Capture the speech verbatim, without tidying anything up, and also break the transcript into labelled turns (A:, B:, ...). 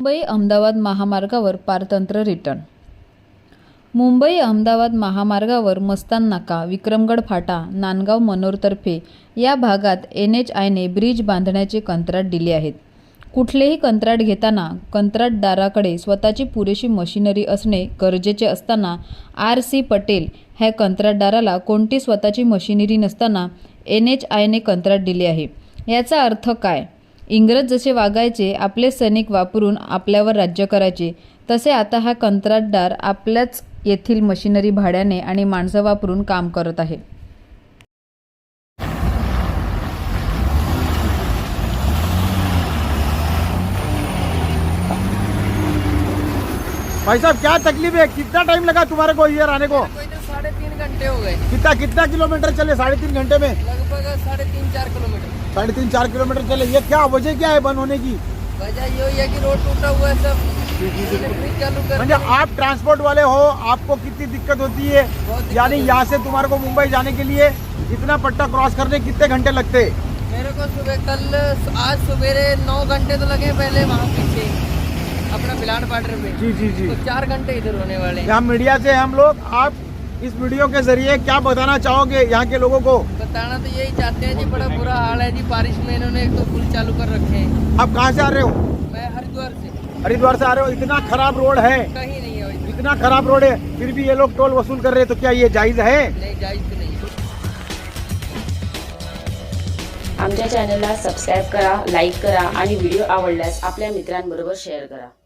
A: मुंबई अहमदाबाद महामार्गावर पारतंत्र्य रिटर्न. मुंबई अहमदाबाद महामार्गावर मस्तान नाका, विक्रमगड फाटा, नांदगाव मनोरतर्फे या भागात एन एच आयने ब्रिज बांधण्याचे कंत्राट दिले आहेत. कुठलेही कंत्राट घेताना कंत्राटदाराकडे स्वतःची पुरेशी मशिनरी असणे गरजेचे असताना आर सी पटेल ह्या कंत्राटदाराला कोणती स्वतःची मशिनरी नसताना एन एच आयने कंत्राट दिले आहे. याचा अर्थ काय? इंग्रज जसे वागायचे, आपले सैनिक वापरून आपल्यावर राज्य करायचे, तसे आता हा कंत्राटदार आपल्याच येथील मशिनरी भाड्याने आणि माणसं वापरून काम करत आहे.
B: भाई साहब क्या तकलीफ है? कितना टाइम लगा तुम्हारे को इधर आने को?
C: कोई तो साढ़े तीन घंटे हो गए.
B: कितना कितना किलोमीटर चले साढ़े तीन घंटे में?
C: लगभग साढ़े तीन चार किलोमीटर.
B: साढ़े तीन चार किलोमीटर चले. ये क्या वजह क्या है बंद होने की?
C: वजह यही है कि रोड टूटा हुआ है सब. ब्रिज चालू कर
B: म्हणजे आप ट्रांसपोर्ट वाले हो, आपको कितनी दिक्कत होती है? यानी यहाँ से तुम्हारे को मुंबई जाने के लिए इतना पट्टा क्रॉस करने कितने घंटे लगते?
C: मेरे को सुबह कल आज सवेरे नौ घंटे तो लगे पहले वहाँ पीछे अपना बिलाट बॉर्डर पे.
B: जी जी जी.
C: तो चार घंटे इधर होने वाले हैं.
B: यहाँ मीडिया से हम लोग, आप इस वीडियो के जरिए क्या बताना चाहोगे यहाँ के लोगों को?
C: बताना तो यही चाहते हैं जी, बड़ा बुरा हाल है जी. बारिश में इन्होंने एक तो पुल चालू कर रखे हैं.
B: आप कहाँ से आ रहे हो?
C: मैं हरिद्वार से.
B: हरिद्वार से आ रहे हो. इतना खराब रोड है,
C: कहीं नहीं है वैसे.
B: इतना खराब रोड है, फिर भी ये लोग टोल वसूल कर रहे हैं, तो क्या ये जायज है?
C: नहीं, जायज तो नहीं.
D: आमच्या चॅनलला सबस्क्राईब करा, लाईक करा आणि व्हिडिओ आवडल्यास आपल्या मित्रांबरोबर शेअर करा.